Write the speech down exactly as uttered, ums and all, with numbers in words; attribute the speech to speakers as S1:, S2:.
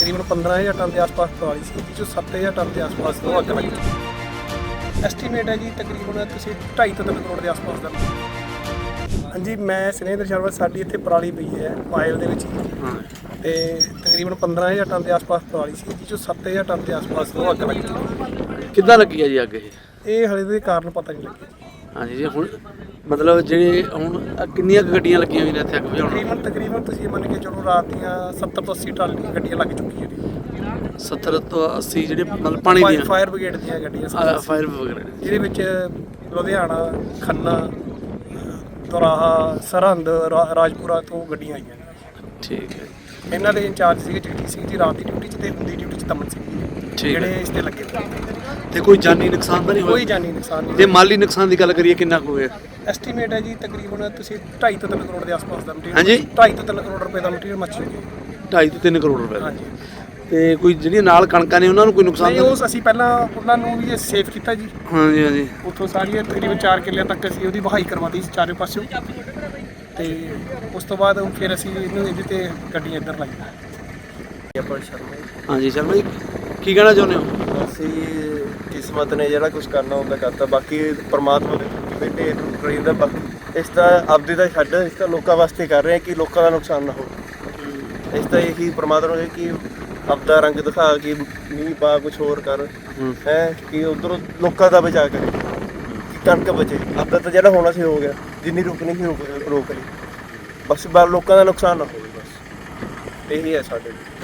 S1: ਤਕਰੀਬਨ ਪੰਦਰਾਂ ਹਜ਼ਾਰ ਟਨ ਦੇ ਆਸ-ਪਾਸ ਪਰਾਲੀ ਸੀ, ਜਿਸ ਚੋਂ ਸੱਤ ਹਜ਼ਾਰ ਟਨ ਦੇ ਆਸ-ਪਾਸ ਤੋਂ ਅੱਗ ਲੱਗੀ। ਐਸਟੀਮੇਟ ਹੈ ਜੀ ਤਕਰੀਬਨ ਤੁਸੀਂ ਢਾਈ ਤੋਂ ਤਿੰਨ ਕਰੋੜ ਦੇ ਆਸ-ਪਾਸ ਦਾ। ਹਾਂਜੀ, ਮੈਂ ਸੁਨੇਹਦਰ ਸ਼ਰਮਾ। ਸਾਡੀ ਇੱਥੇ ਪਰਾਲੀ ਪਈ ਹੈ ਪਾਇਲ ਦੇ ਵਿੱਚ ਹੀ, ਤੇ ਤਕਰੀਬਨ ਪੰਦਰਾਂ ਹਜ਼ਾਰ ਟਨ ਦੇ ਆਸ-ਪਾਸ ਪਰਾਲੀ ਸੀ, ਜਿਸ ਚੋਂ ਸੱਤ ਹਜ਼ਾਰ ਟਨ ਦੇ ਆਸ-ਪਾਸ ਤੋਂ ਅੱਗ ਲੱਗੀ।
S2: ਕਿੱਦਾਂ ਲੱਗੀ ਹੈ ਜੀ ਅੱਗ ਇਹ?
S1: ਇਹ ਹਾਲੇ ਦੇ ਕਾਰਨ ਪਤਾ ਨਹੀਂ ਲੱਗਿਆ ਜੀ।
S2: ਹਾਂਜੀ ਜੀ, ਹੁਣ ਮਤਲਬ ਜਿਹੜੇ ਹੁਣ ਕਿੰਨੀਆਂ ਕੁ ਗੱਡੀਆਂ ਲੱਗੀਆਂ ਹੋਈਆਂ ਨੇ ਇੱਥੇ ਅੱਗ ਬੁਝਾਉਣ?
S1: ਤਕਰੀਬਨ ਤਕਰੀਬਨ ਤੁਸੀਂ ਮੰਨ ਕੇ ਚਲੋ ਰਾਤ ਦੀਆਂ ਸੱਤਰ ਤੋਂ ਅੱਸੀ ਟਨ ਦੀਆਂ ਗੱਡੀਆਂ ਲੱਗ ਚੁੱਕੀਆਂ ਨੇ।
S2: ਸੱਤਰ ਤੋਂ ਅੱਸੀ ਜਿਹੜੇ ਮਤਲਬ ਪਾਣੀ ਦੀਆਂ
S1: ਫਾਇਰ ਬ੍ਰਿਗੇਡ ਦੀਆਂ ਗੱਡੀਆਂ,
S2: ਫਾਇਰ ਵਗੈਰਾ,
S1: ਜਿਹਦੇ ਵਿੱਚ ਲੁਧਿਆਣਾ, ਖੰਨਾ, ਦੋਰਾਹਾ, ਸਰਹੰਦ, ਰਾ- ਰਾਜਪੁਰਾ ਤੋਂ ਗੱਡੀਆਂ ਆਈਆਂ ਨੇ।
S2: ਠੀਕ ਹੈ,
S1: ਇਹਨਾਂ ਦੇ ਇੰਚਾਰਜ ਸੀਗੇ ਜਗਦੀਪ ਸਿੰਘ ਜੀ ਰਾਤ ਦੀ ਡਿਊਟੀ 'ਚ, ਤੇ ਹੁੰਦੀ ਡਿਊਟੀ 'ਚ ਤਮਨ ਸਿੰਘ ਜੀ, ਜਿਹੜੇ ਇਸ ਤੇ ਲੱਗੇ ਹੋਏ।
S2: ਤੇ ਕੋਈ ਜਾਨੀ ਨੁਕਸਾਨ ਤਾਂ ਨਹੀਂ
S1: ਕੋਈ
S2: ਹੋਇਆ?
S1: ਜਾਨੀ ਨੁਕਸਾਨ ਨਹੀਂ।
S2: ਜੇ ਮਾਲੀ ਨੁਕਸਾਨ ਦੀ ਗੱਲ ਕਰੀਏ ਕਿੰਨਾ ਕੁ ਹੋਇਆ?
S1: ਐਸਟੀਮੇਟ ਹੈ ਜੀ ਤਕਰੀਬਨ ਤੁਸੀਂ ਢਾਈ ਤੋਂ ਤਿੰਨ ਕਰੋੜ ਦੇ ਆਸ-ਪਾਸ ਦਾ ਮਟੀਰੀਅਲ।
S2: ਹਾਂਜੀ,
S1: ਢਾਈ ਤੋਂ ਤਿੰਨ ਕਰੋੜ ਰੁਪਏ ਦਾ ਮਟੀਰੀਅਲ ਮੱਚ ਚੁੱਕਿਆ।
S2: ਢਾਈ ਤੋਂ ਤਿੰਨ ਕਰੋੜ ਰੁਪਏ ਦਾ।
S1: ਹਾਂਜੀ,
S2: ਤੇ ਕੋਈ ਜਿਹੜੀਆਂ ਨਾਲ ਕਣਕਾਂ ਨੇ ਉਹਨਾਂ ਨੂੰ ਕੋਈ ਨੁਕਸਾਨ
S1: ਨਹੀਂ
S2: ਤਾਂ
S1: ਉਸ ਅਸੀਂ ਪਹਿਲਾਂ ਉਹਨਾਂ ਨੂੰ ਵੀ ਸੇਫ ਕੀਤਾ ਜੀ।
S2: ਹਾਂਜੀ ਹਾਂਜੀ
S1: ਉੱਥੋਂ ਸਾਰੀਆਂ ਤਕਰੀਬਨ ਚਾਰ ਕਿੱਲਿਆਂ ਤੱਕ ਅਸੀਂ ਉਹਦੀ ਵਹਾਈ ਕਰਵਾਤੀ ਸੀ ਚਾਰੇ ਪਾਸਿਓਂ, ਤੇ ਉਸ ਤੋਂ ਬਾਅਦ ਫਿਰ ਅਸੀਂ ਇਹਨੂੰ ਇਹਦੇ ਤੇ ਗੱਡੀਆਂ ਇੱਧਰ ਲਾਈਆਂ।
S3: ਆਪਾਂ ਸ਼ਰਮਾ ਜੀ।
S2: ਹਾਂਜੀ ਸ਼ਰਮਾ ਜੀ, ਕੀ ਕਹਿਣਾ ਚਾਹੁੰਦੇ ਹੋ?
S3: ਅਸੀਂ ਕਿਸਮਤ ਨੇ ਜਿਹੜਾ ਕੁਝ ਕਰਨਾ ਹੁੰਦਾ ਕਰਤਾ, ਬਾਕੀ ਪਰਮਾਤਮਾ ਦੇ ਢੇਰ ਟੁੱਟ ਦਾ। ਬਾਕੀ ਇਸ ਦਾ ਆਪਦੀ ਦਾ ਛੱਡ, ਇਸ ਤਾਂ ਲੋਕਾਂ ਵਾਸਤੇ ਕਰ ਰਹੇ ਹਾਂ ਕਿ ਲੋਕਾਂ ਦਾ ਨੁਕਸਾਨ ਨਾ ਹੋਵੇ। ਇਸ ਤਾਂ ਇਹੀ ਪਰਮਾਤਮਾ ਨੂੰ ਕਿ ਆਪਦਾ ਰੰਗ ਦਿਖਾ ਕੇ ਮੀਂਹ ਪਾ, ਕੁਛ ਹੋਰ ਕਰ ਹੈ ਕਿ ਉਧਰੋਂ ਲੋਕਾਂ ਦਾ ਬਚਾ ਕਰੇ, ਕਿ ਕਣਕ ਬਚੇ। ਆਪਦਾ ਤਾਂ ਜਿਹੜਾ ਹੋਣਾ ਸੀ ਹੋ ਗਿਆ, ਜਿੰਨੀ ਰੁਕਣੀ ਸੀ ਰੁਕ ਰੋਕ ਲਈ, ਬਸ ਬਾਹਰ ਲੋਕਾਂ ਦਾ ਨੁਕਸਾਨ ਨਾ ਹੋਵੇ, ਬਸ ਇਹੀ ਹੈ ਸਾਡੇ ਲਈ।